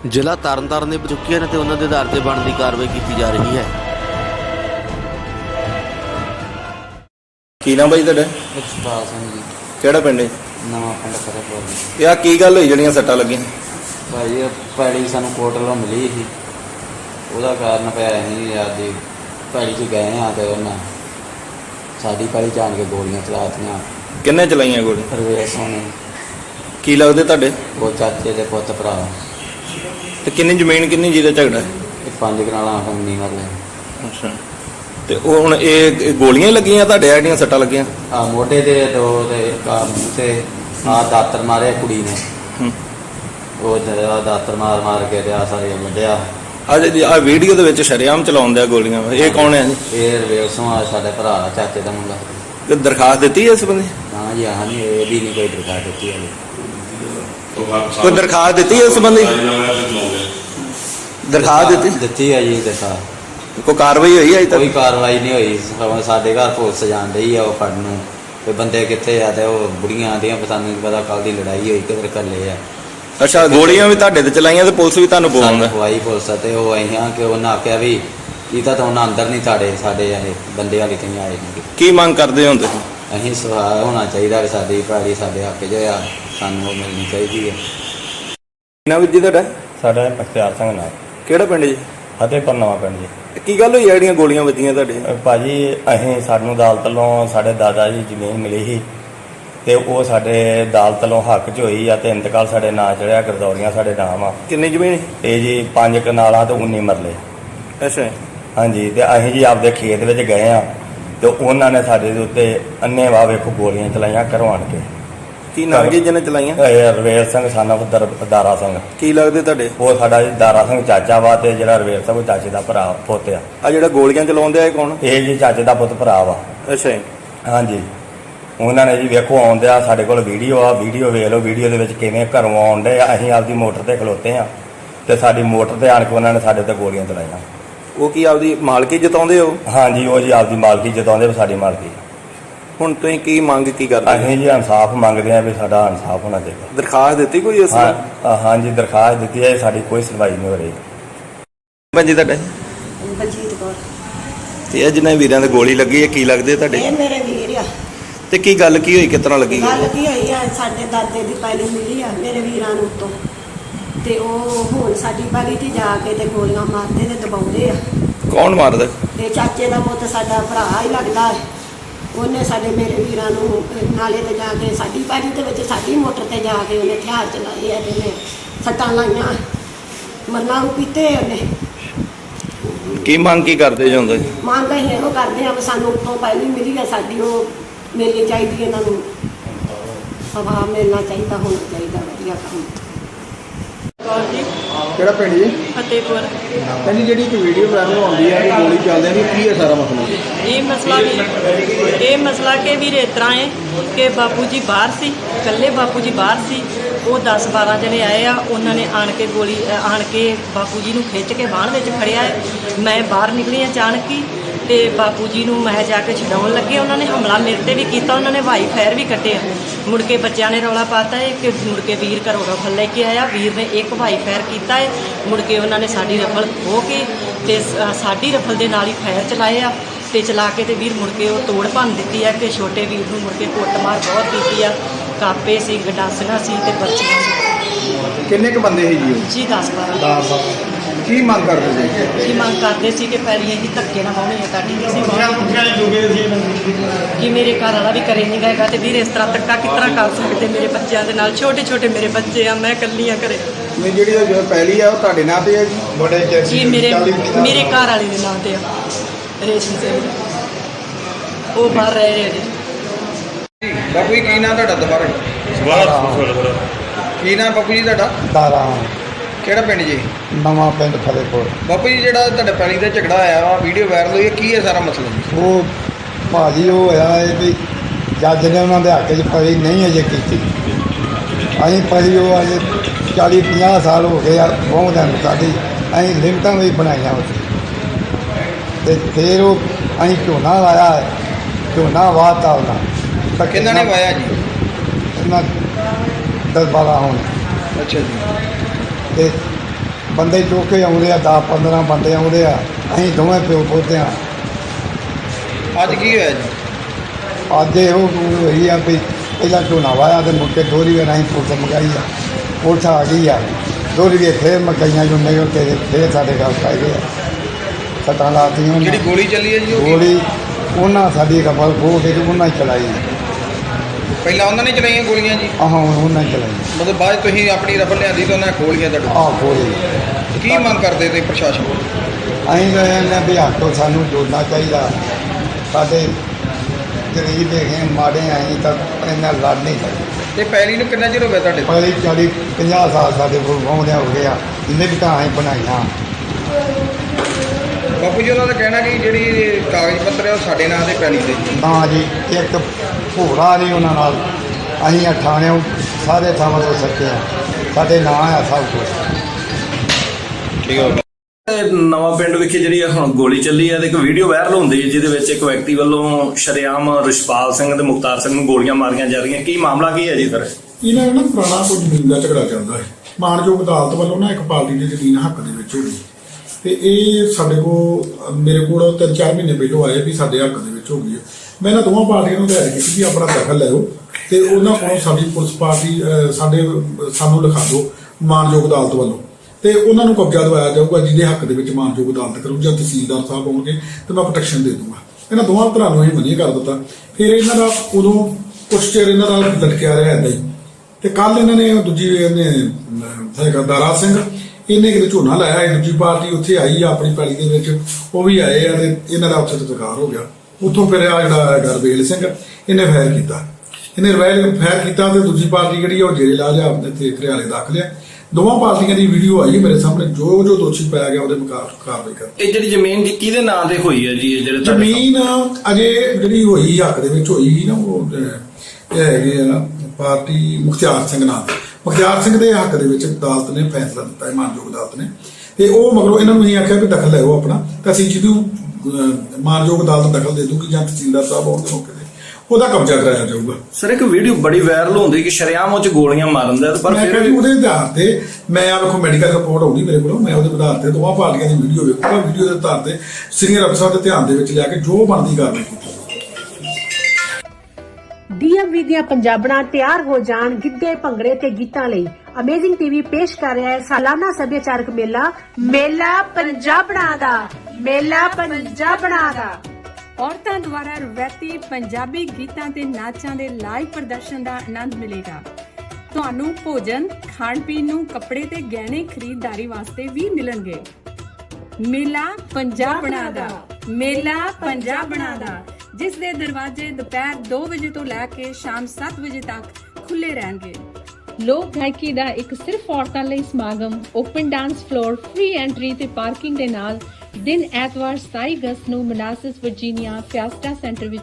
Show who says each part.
Speaker 1: ਜ਼ਿਲ੍ਹਾ ਤਰਨਤਾਰਨ ਦੇ ਚੁੱਕੀਆਂ ਨੇ ਤੇ ਉਹਨਾਂ ਦੇ ਆਧਾਰ ਤੇ ਬਣਦੀ ਕਾਰਵਾਈ ਕੀਤੀ ਜਾ ਰਹੀ ਹੈ।
Speaker 2: ਕੀ ਨਾਮ ਬਾਈ ਤੁਹਾਡਾ?
Speaker 3: ਜਸਪਾਲ ਸਿੰਘ ਜੀ,
Speaker 2: ਕਿਹੜਾ ਪਿੰਡ ਹੈ?
Speaker 3: ਨਵਾਂ ਪਿੰਡ ਫਤਿਹਪੁਰ ਜੀ।
Speaker 2: ਯਾ ਕੀ ਗੱਲ ਹੋਈ ਜਿਹੜੀਆਂ ਸੱਟਾਂ ਲੱਗੀਆਂ?
Speaker 3: ਭਾਈ ਇਹ ਪੈੜੀ ਸਾਨੂੰ ਕੋਟ ਵੱਲੋਂ ਮਿਲੀ ਸੀ, ਉਹਦਾ ਕਾਰਨ ਪਿਆ ਅਸੀਂ ਅੱਜ ਪੈੜੀ 'ਚ ਗਏ ਹਾਂ ਤੇ ਉਹਨਾਂ ਸਾਡੀ ਪੈੜੀ 'ਚ ਆਣ ਕੇ ਗੋਲੀਆਂ ਚਲਾਤੀਆਂ।
Speaker 2: ਕਿੰਨੇ ਚਲਾਈਆਂ ਗੋਲੀ?
Speaker 3: ਰਵੇਸ਼ ਹੋਣੇ,
Speaker 2: ਕੀ ਲੱਗਦੇ ਤੁਹਾਡੇ?
Speaker 3: ਉਹ ਚਾਚੇ ਦੇ ਪੁੱਤ ਭਰਾ।
Speaker 2: ਤੇ ਕਿੰਨੀ ਜ਼ਮੀਨ ਕਿੰਨੀ ਜਿਹਦਾ ਝਗੜਾ?
Speaker 3: ਇਹ 5 ਕਨਾਲਾਂ ਹੋਣੀ ਮਰਲੇ।
Speaker 2: ਅੱਛਾ, ਤੇ ਉਹ ਹੁਣ ਇਹ ਗੋਲੀਆਂ ਲੱਗੀਆਂ ਤੁਹਾਡੇ ਜਿਹੜੀਆਂ ਸੱਟਾਂ ਲੱਗੀਆਂ?
Speaker 3: ਆ ਮੋਢੇ ਤੇ 2 ਤੇ ਇੱਕ ਆ ਮੂੰਹ ਤੇ ਆ ਦਾਤਰ ਮਾਰੇ ਕੁੜੀ ਨੇ। ਉਹ ਜਿਹੜਾ ਦਾਤਰ ਮਾਰ ਕੇ ਤੇ ਆ ਸਾਰੇ ਵੱਢਿਆ।
Speaker 2: ਆ ਵੀਡੀਓ ਦੇ ਵਿੱਚ ਸ਼ਰੇਆਮ ਚਲਾਉਂਦੇ ਆ ਗੋਲੀਆਂ, ਇਹ ਕੌਣ ਹੈ ਜੀ?
Speaker 3: ਇਹ ਰਵੇਸ਼ੋਂ ਆ ਸਾਡੇ ਭਰਾ ਚਾਚੇ ਦਾ ਮੁੰਡਾ।
Speaker 2: ਤੇ ਦਰਖਾਸਤ ਦਿੱਤੀ ਇਸ ਬੰਦੇ?
Speaker 3: ਹਾਂ ਜੀ, ਹਾਂ ਨਹੀਂ ਇਹਦੀ ਨਹੀਂ ਕੋਈ ਦਰਖਾਸਤ ਦਿੱਤੀ ਹਾਲੇ।
Speaker 2: ਕੋਈ ਦਰਖਾਸਤ ਦਿੱਤੀ ਇਸ ਬੰਦੇ? ਦਰਖਾਸਤ
Speaker 3: ਦਿੱਤੀ ਹੈ ਜੀ ਦਰਖਾਸਤ।
Speaker 2: ਕੋਈ ਕਾਰਵਾਈ ਹੋਈ ਅਜੇ ਤੱਕ?
Speaker 3: ਕੋਈ ਕਾਰਵਾਈ ਨਹੀਂ ਹੋਈ। ਸਾਡੇ ਘਰ ਪੁਲਿਸ ਜਾਣ ਡਈ ਆ ਉਹ ਫੜਨ ਨੂੰ, ਤੇ ਬੰਦੇ ਕਿੱਥੇ ਆ ਤੇ ਉਹ ਬੁੜੀਆਂ ਆਉਂਦੀਆਂ ਪਤਾ ਨਹੀਂ ਪਤਾ ਕੱਲ ਦੀ ਲੜਾਈ ਹੋਈ ਕਿਧਰ ਕੱਲੇ ਆ।
Speaker 2: ਅੱਛਾ, ਗੋਲੀਆਂ ਵੀ ਤੁਹਾਡੇ ਤੇ ਚਲਾਈਆਂ ਤੇ ਪੁਲਿਸ ਵੀ ਤੁਹਾਨੂੰ ਬੋਲਦਾ?
Speaker 3: ਖਵਾਈ ਪੁਲਿਸ ਤੇ ਉਹ ਆਈ ਹਾਂ ਕਿ ਉਹਨਾਂ ਆਖਿਆ ਵੀ ਇਹ ਤਾਂ ਉਹਨਾਂ ਅੰਦਰ ਨਹੀਂ ਸਾਡੇ ਇਹ ਬੰਦੇ ਵਾਲੀ ਤੇ ਆਏ ਨੇ।
Speaker 2: ਕੀ ਮੰਗ ਕਰਦੇ ਹੋ ਤੁਸੀਂ?
Speaker 3: ਅਸੀਂ ਸਹਾਇ ਹੋਣਾ ਚਾਹੀਦਾ ਕਿ ਸਾਡੀ ਭੈੜੀ ਸਾਡੇ ਹੱਕ 'ਚ ਆ, ਸਾਨੂੰ ਉਹ ਮਿਲਣੀ ਚਾਹੀਦੀ ਹੈ।
Speaker 2: ਨਾ ਵੀਰ ਜੀ ਤੁਹਾਡਾ?
Speaker 4: ਸਾਡਾ ਅਖਤਿਆਰ ਸਿੰਘ ਨਾਲ।
Speaker 2: ਕਿਹੜਾ ਪਿੰਡ ਜੀ?
Speaker 4: ਫਤਿਹਪੁਰ ਨਵਾਂ ਪਿੰਡ ਜੀ।
Speaker 2: ਕੀ ਗੱਲ ਹੋਈ ਜਿਹੜੀਆਂ ਗੋਲੀਆਂ ਵੱਜੀਆਂ ਤੁਹਾਡੇ?
Speaker 4: ਭਾਜੀ ਅਸੀਂ ਸਾਨੂੰ ਅਦਾਲਤ ਵੱਲੋਂ ਸਾਡੇ ਦਾਦਾ ਜੀ ਜ਼ਮੀਨ ਮਿਲੀ ਸੀ ਤੇ ਉਹ ਸਾਡੇ ਅਦਾਲਤ ਵੱਲੋਂ ਹੱਕ 'ਚ ਹੋਈ ਆ ਤੇ ਇੰਤਕਾਲ ਸਾਡੇ ਨਾਂ ਚੜਿਆ, ਗਰਦੌਰੀਆਂ ਸਾਡੇ ਨਾਮ ਆ।
Speaker 2: ਕਿੰਨੀ ਜ਼ਮੀਨ?
Speaker 4: ਇਹ ਜੀ 5 ਕਨਾਲਾਂ ਤੇ 19 ਮਰਲੇ।
Speaker 2: ਅੱਛਾ
Speaker 4: ਹਾਂਜੀ, ਤੇ ਅਸੀਂ ਜੀ ਆਪਦੇ ਖੇਤ ਵਿੱਚ ਗਏ ਆ ਤੇ ਉਹਨਾਂ ਨੇ ਸਾਡੇ ਦੇ ਉੱਤੇ ਅੰਨ੍ਹੇਵਾਹ ਵੇਖੋ ਗੋਲੀਆਂ ਚਲਾਈਆਂ ਕਰਵਾਣ ਕੇ।
Speaker 2: ਕੀ ਨਾਮ ਜੀ ਜਿਹਨੇ ਚਲਾਈਆਂ?
Speaker 4: ਰਵੇਲ ਸਿੰਘ son of ਦਾਰਾ ਸਿੰਘ।
Speaker 2: ਕੀ ਲੱਗਦੇ ਤੁਹਾਡੇ?
Speaker 4: ਉਹ ਸਾਡਾ ਜੀ ਦਾਰਾ ਸਿੰਘ ਚਾਚਾ ਵਾ ਤੇ ਜਿਹੜਾ ਰਵੇਲ ਸਿੰਘ ਉਹ ਚਾਚੇ ਦਾ ਭਰਾ ਪੁੱਤ ਆ।
Speaker 2: ਆ ਜਿਹੜਾ ਗੋਲੀਆਂ ਚਲਾਉਂਦੇ ਆ ਇਹ ਕੌਣ?
Speaker 4: ਇਹ ਜੀ ਚਾਚੇ ਦਾ ਪੁੱਤ ਭਰਾ ਵਾ।
Speaker 2: ਅੱਛਾ ਜੀ।
Speaker 4: ਹਾਂਜੀ, ਉਹਨਾਂ ਨੇ ਜੀ ਵੇਖੋ ਆਉਂਦੇ ਆ, ਸਾਡੇ ਕੋਲ ਵੀਡੀਓ ਆ, ਵੀਡੀਓ ਵੇਖ ਲਓ। ਵੀਡੀਓ ਦੇ ਵਿੱਚ ਕਿਵੇਂ ਘਰੋਂ ਆਉਂਦੇ ਆ, ਅਸੀਂ ਆਪਦੀ ਮੋਟਰ ਤੇ ਖਲੋਤੇ ਆ ਤੇ ਸਾਡੀ ਮੋਟਰ ਤੇ ਆਣ ਕੇ ਉਹਨਾਂ ਨੇ ਸਾਡੇ ਤੇ ਗੋਲੀਆਂ ਚਲਾਈਆਂ।
Speaker 2: ਉਹ ਕੀ ਆਪਦੀ ਮਾਲਕੀ ਜਤਾਉਂਦੇ ਹੋ?
Speaker 4: ਹਾਂਜੀ, ਉਹ ਜੀ ਆਪਦੀ ਮਾਲਕੀ ਜਤਾਉਂਦੇ, ਸਾਡੀ ਮਾਲਕੀ।
Speaker 2: ਹੁਣ ਤੁਸੀਂ ਕੀ ਮੰਗ ਕੀ ਕਰਦੇ?
Speaker 4: ਅਸੀਂ ਜੀ ਇਨਸਾਫ ਮੰਗਦੇ ਆ ਵੀ ਸਾਡਾ ਇਨਸਾਫ ਹੋਣਾ ਚਾਹੀਦਾ।
Speaker 2: ਦਰਖਾਸਤ ਦਿੱਤੀ ਕੋਈ ਇਸ?
Speaker 4: ਹਾਂਜੀ, ਦਰਖਾਸਤ ਦਿੱਤੀ ਹੈ, ਸਾਡੀ ਕੋਈ ਸੁਣਵਾਈ ਨਹੀਂ ਹੋ ਰਹੀ।
Speaker 2: ਭਾਜੀ ਤੁਹਾਡਾ?
Speaker 5: ਬਲਜੀਤ ਕੌਰ।
Speaker 2: ਤੇ ਇਹ ਜਿਹਨਾਂ ਵੀਰਾਂ ਦੇ ਗੋਲੀ ਲੱਗੀ ਹੈ ਕੀ ਲੱਗਦੇ ਤੁਹਾਡੇ?
Speaker 5: ਇਹ ਮੇਰੇ ਵੀਰ ਆ।
Speaker 2: ਤੇ ਕੀ ਗੱਲ ਕੀ ਹੋਈ, ਕਿਸ ਤਰ੍ਹਾਂ ਲੱਗੀ?
Speaker 5: ਗੱਲ ਕੀ ਹੋਈ ਆ, ਸਾਡੇ ਦਾਦੇ ਦੀ ਪੈਲੀ ਮਿਲੀ ਆ ਮੇਰੇ ਵੀਰਾਂ ਨੂੰ ਉੱਤੋਂ, ਤੇ ਉਹ ਹੁਣ ਸਾਡੀ ਪੈਲੀ 'ਤੇ ਜਾ ਕੇ ਤੇ ਗੋਲੀਆਂ ਮਾਰਦੇ ਤੇ ਦਬਾਉਂਦੇ ਆ।
Speaker 2: ਕੌਣ ਮਾਰਦਾ?
Speaker 5: ਤੇ ਚਾਚੇ ਦਾ ਪੁੱਤ ਸਾਡਾ ਭਰਾ ਹੀ ਲੱਗਦਾ, ਉਹਨੇ ਸਾਡੇ ਮੇਰੇ ਵੀਰਾਂ ਨੂੰ ਨਾਲੇ ਤੇ ਜਾ ਕੇ ਸਾਡੀ ਪੈਲੀ ਦੇ ਵਿੱਚ ਸਾਡੀ ਮੋਟਰ ਤੇ ਜਾ ਕੇ ਉਹਨੇ ਹਥਿਆਰ ਚਲਾਏ ਆ ਤੇ ਉਹਨੇ ਸੱਟਾਂ ਲਾਈਆਂ, ਮਰਨਾ ਉਹ ਕੀਤੇ ਉਹਨੇ।
Speaker 2: ਕੀ ਮੰਗ ਕੀ ਕਰਦੇ ਜਾਂਦੇ?
Speaker 5: ਮੰਗ ਅਸੀਂ ਇਹੋ ਕਰਦੇ ਆ ਵੀ ਸਾਨੂੰ ਉੱਤੋਂ ਪੈਲੀ ਮਿਲੀ ਆ ਸਾਡੀ, ਉਹ ਮਿਲਣੀ ਚਾਹੀਦੀ, ਇਹਨਾਂ ਨੂੰ ਸਭਾ ਮਿਲਣਾ ਚਾਹੀਦਾ, ਹੋਣਾ ਚਾਹੀਦਾ ਵਧੀਆ ਕੰਮ।
Speaker 6: ਕੌਰ ਜੀ,
Speaker 2: ਕਿਹੜਾ ਪਿੰਡ ਜੀ?
Speaker 6: ਫਤਿਹਪੁਰ।
Speaker 2: ਕਹਿੰਦੀ ਜਿਹੜੀ ਇੱਕ ਵੀਡੀਓ ਵਾਇਰਲ ਹੁੰਦੀ ਹੈ ਕਿ ਗੋਲੀ ਚੱਲਦੇ ਦੀ, ਕੀ ਹੈ ਸਾਰਾ ਮਸਲਾ?
Speaker 6: ਇਹ ਮਸਲਾ ਕਿ ਵੀਰ ਇਸ ਤਰ੍ਹਾਂ ਹੈ ਕਿ ਬਾਪੂ ਜੀ ਬਾਹਰ ਸੀ, ਇਕੱਲੇ ਬਾਪੂ ਜੀ ਬਾਹਰ ਸੀ। ਉਹ 10-12 ਜਣੇ ਆਏ ਆ, ਉਹਨਾਂ ਨੇ ਆਣ ਕੇ ਬਾਪੂ ਜੀ ਨੂੰ ਖਿੱਚ ਕੇ ਬਾਹਣ ਵਿੱਚ ਫੜਿਆ ਹੈ। ਮੈਂ ਬਾਹਰ ਨਿਕਲੀ ਅਚਾਨਕ ਹੀ ਤੇ ਬਾਪੂ ਜੀ ਨੂੰ ਮੈਂ ਜਾ ਕੇ ਛਡਾਉਣ ਲੱਗੇ, ਉਹਨਾਂ ਨੇ ਹਮਲਾ ਮੇਰੇ ਤੇ ਵੀ ਕੀਤਾ, ਉਹਨਾਂ ਨੇ ਵਾਈ ਫਾਇਰ ਵੀ ਕੱਢਿਆ। ਮੁੜ ਕੇ ਬੱਚਿਆਂ ਨੇ ਰੌਲਾ ਪਾਤਾ ਹੈ ਕਿ ਮੁੜ ਕੇ ਵੀਰ ਘਰੋਂ ਰਫਲ ਲੈ ਕੇ ਆਇਆ, ਵੀਰ ਨੇ ਇੱਕ ਵਾਈ ਫਾਇਰ ਕੀਤਾ ਹੈ। ਮੁੜ ਕੇ ਉਹਨਾਂ ਨੇ ਸਾਡੀ ਰਫਲ ਖੋਹ ਕੇ ਤੇ ਸਾਡੀ ਰਫਲ ਦੇ ਨਾਲ ਹੀ ਫਾਇਰ ਚਲਾਏ ਆ ਤੇ ਚਲਾ ਕੇ ਤੇ ਵੀਰ ਮੁੜ ਕੇ ਉਹ ਤੋੜ ਭੰਨ ਦਿੱਤੀ ਹੈ ਕਿ ਛੋਟੇ ਵੀਰ ਨੂੰ ਮੁੜ ਕੇ ਕੁੱਟਮਾਰ ਬਹੁਤ ਕੀਤੀ ਆ। ਕਾਪੇ ਸੀ, ਗੰਡਾਸੀਆਂ ਸੀ ਤੇ ਬੱਚੀਆਂ ਸੀ।
Speaker 2: ਕਿੰਨੇ ਕੁ ਬੰਦੇ ਸੀ
Speaker 6: ਜੀ 10-12।
Speaker 2: ਕੀ ਮੰਗ ਕਰਦੇ ਸੀ?
Speaker 6: ਕੀ ਮੰਗ ਕਰਦੇ ਸੀ ਕਿ ਪਹਿਲੀਆਂ ਹੀ ਧੱਕੇ ਨਾ ਹੋਣੇ ਆ ਤੁਹਾਡੀ ਕਿਸੇ ਕਿ ਮੇਰੇ ਘਰ ਵਾਲਾ ਵੀ ਕਰੇ ਨਹੀਂ ਗਏਗਾ ਤੇ ਵੀਰ ਇਸ ਤਰ੍ਹਾਂ ਧੱਕਾ ਕਿਸ ਤਰ੍ਹਾਂ ਕਰ ਸਕਦੇ ਮੇਰੇ ਬੱਚਿਆਂ ਦੇ ਨਾਲ? ਛੋਟੇ ਮੇਰੇ ਬੱਚੇ ਆ, ਮੈਂ ਇਕੱਲੀ ਆ ਘਰੇ।
Speaker 2: ਜਿਹੜੀ ਪਹਿਲੀ ਆ ਉਹ ਤੁਹਾਡੇ ਨਾਂ ਤੇ ਹੈ ਜੀ?
Speaker 6: ਜੀ ਮੇਰੇ ਘਰ ਵਾਲੇ ਦੇ ਨਾਂ ਤੇ ਆ, ਰੇਸ਼ਮ ਸਿੰਘ। ਉਹ ਬਾਹਰ ਰਹਿ ਰਹੇ ਜੀ।
Speaker 2: ਬਾਪੂ ਜੀ ਕੀ ਨਾਂ ਤੁਹਾਡਾ ਦੁਬਾਰਾ? ਕੀ ਨਾਂ ਬਾਪੂ ਜੀ ਤੁਹਾਡਾ?
Speaker 7: ਦਾਰਾ।
Speaker 2: ਕਿਹੜਾ ਪਿੰਡ ਜੀ?
Speaker 7: ਨਵਾਂ ਪਿੰਡ ਫਤਿਹਪੁਰ।
Speaker 2: ਬਾਪੂ ਜੀ ਜਿਹੜਾ ਤੁਹਾਡੇ ਪੈਲੀ ਦਾ ਝਗੜਾ ਆਇਆ ਵਾ, ਵੀਡੀਓ ਵਾਇਰਲ ਹੋਈ ਹੈ, ਕੀ ਹੈ ਸਾਰਾ ਮਸਲਾ ਜੀ?
Speaker 7: ਉਹ ਭਾਜੀ ਉਹ ਹੋਇਆ ਹੈ ਵੀ ਜੱਜ ਨੇ ਉਹਨਾਂ ਦੇ ਹੱਕ 'ਚ ਪੈਲੀ ਨਹੀਂ ਅਜੇ ਕੀਤੀ। ਅਸੀਂ ਪੈਲੀ ਉਹ ਅਜੇ 40-50 ਸਾਲ ਹੋ ਗਏ ਆ ਬਹੁਤ ਦਿਨ ਸਾਡੀ, ਅਸੀਂ ਲਿਮਟਾਂ ਵੀ ਬਣਾਈਆਂ ਉੱਥੇ ਤੇ ਫਿਰ ਉਹ ਅਸੀਂ ਝੋਨਾ ਲਾਇਆ, ਝੋਨਾ ਵਾਹਤਾ ਉਹਨਾਂ।
Speaker 2: ਕਿਹਨਾਂ ਨੇ ਵਾਇਆ ਜੀ?
Speaker 7: ਉਹਨਾਂ 10-12 ਹੁਣ।
Speaker 2: ਅੱਛਾ ਜੀ।
Speaker 7: ਤੇ ਬੰਦੇ ਚੁੱਕ ਕੇ ਆਉਂਦੇ ਆ 10-15 ਬੰਦੇ ਆਉਂਦੇ ਆ ਅਸੀਂ ਦੋਵੇਂ ਪਿਓ ਪੋਤੇ ਆ।
Speaker 8: ਅੱਜ ਕੀ ਹੋਇਆ ਜੀ?
Speaker 7: ਅੱਜ ਇਹੋ ਹੋਈ ਆ ਵੀ ਪਹਿਲਾਂ ਝੋਨਾ ਵਾਇਆ ਤੇ ਮੁੜ ਕੇ ਦੋਹਰੀ ਵਾਰ ਅਸੀਂ ਪੁਲਿਸ ਮੰਗਾਈ ਆ, ਪੁਲਿਸ ਆ ਗਈ ਆ, ਦੋਹਰੀ ਵਾਰ ਫੇਰ ਮਕਾਈਆਂ ਜੋ ਨਿਕਲ ਕੇ ਫੇਰ ਸਾਡੇ ਗੱਲ ਪੈ ਗਏ ਆ, ਸੱਟਾਂ ਲਾਤੀਆਂ
Speaker 8: ਜਿਹੜੀ ਗੋਲੀ ਚੱਲੀ ਹੈ ਜੀ ਉਹ ਕੀ?
Speaker 7: ਗੋਲੀ ਉਹਨਾਂ ਸਾਡੀ ਰਫਲ ਖੋਹ ਕੇ ਤੇ ਉਹਨਾਂ ਹੀ ਚਲਾਈ।
Speaker 8: ਪਹਿਲਾਂ ਉਹਨਾਂ ਨੇ ਚਲਾਈਆਂ ਗੋਲੀਆਂ ਜੀ?
Speaker 7: ਆਹ ਉਹਨਾਂ ਹੀ ਚਲਾਈ।
Speaker 8: ਮਤਲਬ ਬਾਅਦ 'ਚ ਤੁਸੀਂ ਆਪਣੀ ਰਫਲ ਲਿਆਂਦੀ ਤਾਂ ਉਹਨਾਂ ਨੇ ਖੋਲੀਆਂ ਤੁਹਾਡੇ?
Speaker 7: ਆਹ ਖੋਲੀ।
Speaker 8: ਕੀ ਮੰਗ ਕਰਦੇ ਤੇ ਪ੍ਰਸ਼ਾਸਨ ਕੋਲ?
Speaker 7: ਅਸੀਂ ਤਾਂ ਇਹਨਾਂ ਵੀ ਹੱਥ ਤੋਂ ਸਾਨੂੰ ਜੋੜਨਾ ਚਾਹੀਦਾ। ਸਾਡੇ ਗਰੀਬ ਹੈਗੇ ਮਾੜੇ ਅਸੀਂ ਤਾਂ ਇਹਨਾਂ ਲੜ ਨਹੀਂ ਸਕਦੇ।
Speaker 8: ਤੇ ਪੈਲੀ ਨੂੰ ਕਿੰਨਾ ਚਿਰ ਹੋ ਗਿਆ ਤੁਹਾਡੇ?
Speaker 7: ਪਹਿਲੀ 40-50 ਸਾਲ ਸਾਡੇ ਕੋਲ ਵਾਹੁੰਦਿਆਂ ਹੋ ਗਿਆ, ਲਿਮਟਾਂ ਅਸੀਂ ਬਣਾਈਆਂ।
Speaker 8: ਬਾਪੂ ਜੀ ਉਹਨਾਂ ਦਾ ਕਹਿਣਾ ਕਿ ਜਿਹੜੀ ਕਾਗਜ਼ ਪੱਤਰ ਹੈ ਉਹ ਸਾਡੇ ਨਾਂ ਦੇ ਪੈਲੀ ਦੇ।
Speaker 7: ਨਾ ਜੀ ਇੱਕ ਭੋਰਾ ਨਹੀਂ ਉਹਨਾਂ ਨਾਲ। ਅਸੀਂ ਥਾਣਿਓਂ ਸਾਰੇ ਥਾਵਾਂ ਤੋਂ ਸੱਚੇ ਹਾਂ, ਸਾਡੇ ਨਾਂ ਆ ਸਭ ਕੁਛ।
Speaker 8: ਠੀਕ ਹੈ।
Speaker 2: ਇਹ ਨਵਾਂ ਪਿੰਡ ਵਿਖੇ ਜਿਹੜੀ ਹੁਣ ਗੋਲੀ ਚੱਲੀ ਹੈ ਤੇ ਇੱਕ ਵੀਡੀਓ ਵਾਇਰਲ ਹੁੰਦੀ ਹੈ ਜਿਹਦੇ ਵਿੱਚ ਇੱਕ ਵਿਅਕਤੀ ਵੱਲੋਂ ਸ਼ਰੇਆਮ ਰਿਸ਼ਪਾਲ ਸਿੰਘ ਤੇ ਮੁਖਤਾਰ ਸਿੰਘ ਨੂੰ ਗੋਲੀਆਂ ਮਾਰੀਆਂ ਜਾ ਰਹੀਆਂ। ਕੀ ਮਾਮਲਾ ਕੀ ਹੈ ਜੀ ਸਰ?
Speaker 9: ਇਹਨਾਂ ਨਾਲ ਨਾ ਪੁਰਾਣਾ ਕੋਈ ਜ਼ਮੀਨ ਦਾ ਝਗੜਾ ਚੱਲਦਾ ਹੈ। ਮਾਣਯੋਗ ਅਦਾਲਤ ਵੱਲੋਂ ਨਾ ਇੱਕ ਪਾਰਟੀ ਦੀ ਜ਼ਮੀਨ ਹੱਕ ਦੇ ਵਿੱਚ ਹੋ ਗਈ ਤੇ ਇਹ ਸਾਡੇ ਕੋਲ ਮੇਰੇ ਕੋਲ 3-4 ਮਹੀਨੇ ਪਹਿਲਾਂ ਆਏ ਵੀ ਸਾਡੇ ਹੱਕ ਦੇ ਵਿੱਚ ਹੋ ਗਈ ਹੈ। ਮੈਂ ਇਹਨਾਂ ਦੋਵਾਂ ਪਾਰਟੀਆਂ ਨੂੰ ਹਦਾਇਤ ਕੀਤੀ ਵੀ ਆਪਣਾ ਦਖਲ ਲੈ ਲਓ ਤੇ ਉਹਨਾਂ ਕੋਲੋਂ ਸਾਡੀ ਪੁਲਿਸ ਪਾਰਟੀ ਸਾਨੂੰ ਲਿਖਾ ਦਿਓ ਮਾਣਯੋਗ ਅਦਾਲਤ ਵੱਲੋਂ ਤੇ ਉਹਨਾਂ ਨੂੰ ਕਬਜ਼ਾ ਦਿਵਾਇਆ ਜਾਊਗਾ ਜਿਹਦੇ ਹੱਕ ਦੇ ਵਿੱਚ ਮਾਣਯੋਗ ਅਦਾਲਤ ਕਰੂ ਜਾਂ ਤਹਿਸੀਲਦਾਰ ਸਾਹਿਬ ਆਉਣਗੇ ਤੇ ਮੈਂ ਪ੍ਰੋਟੈਕਸ਼ਨ ਦੇ ਦੂੰਗਾ। ਇਹਨਾਂ ਦੋਵਾਂ ਭਰਾਵਾਂ ਨੂੰ ਇਹ ਮਨੀਆ ਕਰ ਦਿੱਤਾ। ਫਿਰ ਇਹਨਾਂ ਦਾ ਉਦੋਂ ਕੁਛ ਚਿਰ ਇਹਨਾਂ ਦਾ ਲਟਕਿਆ ਰਿਹਾ ਏਦਾਂ ਹੀ ਤੇ ਕੱਲ ਇਹਨਾਂ ਨੇ ਦੂਜੀ ਹੈਗਾ ਦਾਰਾ ਸਿੰਘ, ਇਹਨੇ ਕਿਤੇ ਝੋਨਾ ਲਾਇਆ ਹੈ, ਦੂਜੀ ਪਾਰਟੀ ਉੱਥੇ ਆਈ ਆ ਆਪਣੀ ਪੈਲੀ ਦੇ ਵਿੱਚ, ਉਹ ਵੀ ਆਏ ਆ ਤੇ ਇਹਨਾਂ ਦਾ ਉੱਥੇ ਤਕਰਾਰ ਹੋ ਗਿਆ। ਉੱਥੋਂ ਫਿਰ ਆ ਜਿਹੜਾ ਹੈਗਾ ਰਵੇਲ ਸਿੰਘ ਇਹਨੇ ਫਾਇਰ ਕੀਤਾ, ਫਾਇਰ ਕੀਤਾ ਤੇ ਦੂਜੀ ਪਾਰਟੀ ਜਿਹੜੀ ਉਹ ਜੇਲ੍ਹ ਆ ਜਾ ਆਪਣੇ ਤੇ ਘਰਿਆਲੇ ਦਾਖਲ ਆ। ਦੋਵਾਂ ਪਾਰਟੀਆਂ ਦੀ ਵੀਡੀਓ ਆਈ ਮੇਰੇ ਸਾਹਮਣੇ, ਜੋ ਜੋ ਦੋਸ਼ੀ ਪਾਇਆ ਗਿਆ ਉਹਦੇ ਮੁਕਾਬਲੇ ਕਾਰਵਾਈ ਕਰ।
Speaker 2: ਇਹ ਜਿਹੜੀ ਜ਼ਮੀਨ ਜੀ ਕਿਹਦੇ ਨਾਂ ਤੇ ਹੋਈ ਹੈ ਜੀ? ਇਹ ਜਿਹੜੇ
Speaker 9: ਜ਼ਮੀਨ ਅਜੇ ਜਿਹੜੀ ਹੋਈ ਹੱਕ ਦੇ ਵਿੱਚ ਹੋਈ ਨਾ ਉਹ ਇਹ ਹੈਗੇ ਆ ਪਾਰਟੀ ਮੁਖਤਿਆਰ ਸਿੰਘ ਨਾਲ। ਮੁਖਤਿਆਰ ਸਿੰਘ ਦੇ ਹੱਕ ਦੇ ਵਿੱਚ ਅਦਾਲਤ ਨੇ ਫੈਸਲਾ ਦਿੱਤਾ ਹੈ, ਮਾਨਯੋਗ ਅਦਾਲਤ ਨੇ, ਤੇ ਉਹ ਮਗਰੋਂ ਇਹਨਾਂ ਨੂੰ ਅਸੀਂ ਆਖਿਆ ਵੀ ਦਖਲ ਲੈਓ ਆਪਣਾ, ਤੇ ਅਸੀਂ ਜਿਹਨੂੰ ਮਾਨਯੋਗ ਅਦਾਲਤ ਦਖਲ ਦੇ ਦੂਗੀ ਜਾਂ ਤਹਿਸੀਲਦਾਰ ਸਾਹਿਬ ਆਉਣਗੇ ਮੌਕੇ ਤੇ ਉਹਦਾ ਕਬਜ਼ਾ ਕਰਾਇਆ ਜਾਊਗਾ।
Speaker 2: ਸਰ ਇੱਕ ਵੀਡੀਓ ਬੜੀ ਵਾਇਰਲ ਹੁੰਦੀ ਕਿ ਸ਼ਰੇਆਮ ਉਹ ਚ ਗੋਲੀਆਂ ਮਾਰਨ ਦਾ, ਪਰ ਫਿਰ ਵੀ
Speaker 9: ਉਹਦੇ ਆਧਾਰ ਤੇ ਮੈਂ ਆ ਵੇਖੋ ਮੈਡੀਕਲ ਰਿਪੋਰਟ ਆਉਂਦੀ ਮੇਰੇ ਕੋਲ, ਮੈਂ ਉਹਦੇ ਆਧਾਰ ਤੇ ਦੋਵਾਂ ਪਾਰਟੀਆਂ ਦੀ ਵੀਡੀਓ ਵੇਖੂਗਾ। ਵੀਡੀਓ ਦੇ ਆਧਾਰ ਤੇ ਸੀਨੀਅਰ ਅਫਸਰ ਦੇ ਧਿਆਨ ਦੇ ਵਿੱਚ ਲਿਆ ਕੇ ਜੋ ਬਣਦੀ ਕਾਰਵਾਈ ਕੀਤੀ।
Speaker 10: ਡੀਐਮਵੀ ਦੀਆਂ ਪੰਜਾਬਣਾਂ ਤਿਆਰ ਹੋ ਜਾਣ ਗਿੱਧੇ, ਭੰਗੜੇ ਤੇ ਗੀਤਾਂ ਲਈ। ਅਮੇਜ਼ਿੰਗ ਟੀਵੀ ਪੇਸ਼ ਕਰ ਰਿਹਾ ਹੈ ਸਾਲਾਨਾ ਸੱਭਿਆਚਾਰਕ ਮੇਲਾ ਪੰਜਾਬਣਾਂ ਦਾ।
Speaker 11: ਔਰਤਾਂ ਦੁਆਰਾ ਰਵਾਇਤੀ ਪੰਜਾਬੀ ਗੀਤਾਂ ਤੇ ਨਾਚਾਂ ਦੇ ਲਾਈਵ ਪ੍ਰਦਰਸ਼ਨ ਦਾ ਆਨੰਦ ਮਿਲੇਗਾ। ਤੁਹਾਨੂੰ ਭੋਜਨ, ਖਾਣ ਪੀਣ ਨੂੰ, ਕੱਪੜੇ ਤੇ ਗਹਿਣੇ ਖਰੀਦਦਾਰੀ ਵਾਸਤੇ ਵੀ ਮਿਲਣਗੇ। ਮੇਲਾ ਪੰਜਾਬਣਾਂ ਦਾ ਜਿਸ ਦੇ ਦਰਵਾਜ਼ੇ ਦੁਪਹਿਰ 2 ਵਜੇ ਤੋਂ ਲੈ ਕੇ ਸ਼ਾਮ 7 ਵਜੇ ਤੱਕ ਖੁੱਲੇ ਰਹਿਣਗੇ।
Speaker 12: ਲੋਕ ਗਾਇਕੀ ਦਾ ਇੱਕ ਸਿਰਫ ਔਰਤਾਂ ਲਈ ਸਮਾਗਮ, open dance floor, free entry ਤੇ ਪਾਰਕਿੰਗ ਦੇ ਨਾਲ ਦਿਨ ਐਤਵਾਰ 27 ਅਗਸਤ ਨੂੰ ਮਨਾਸਸ ਵਰਜੀਨੀਆ ਫਿਆਸਟਾ ਸੈਂਟਰ ਵਿੱਚ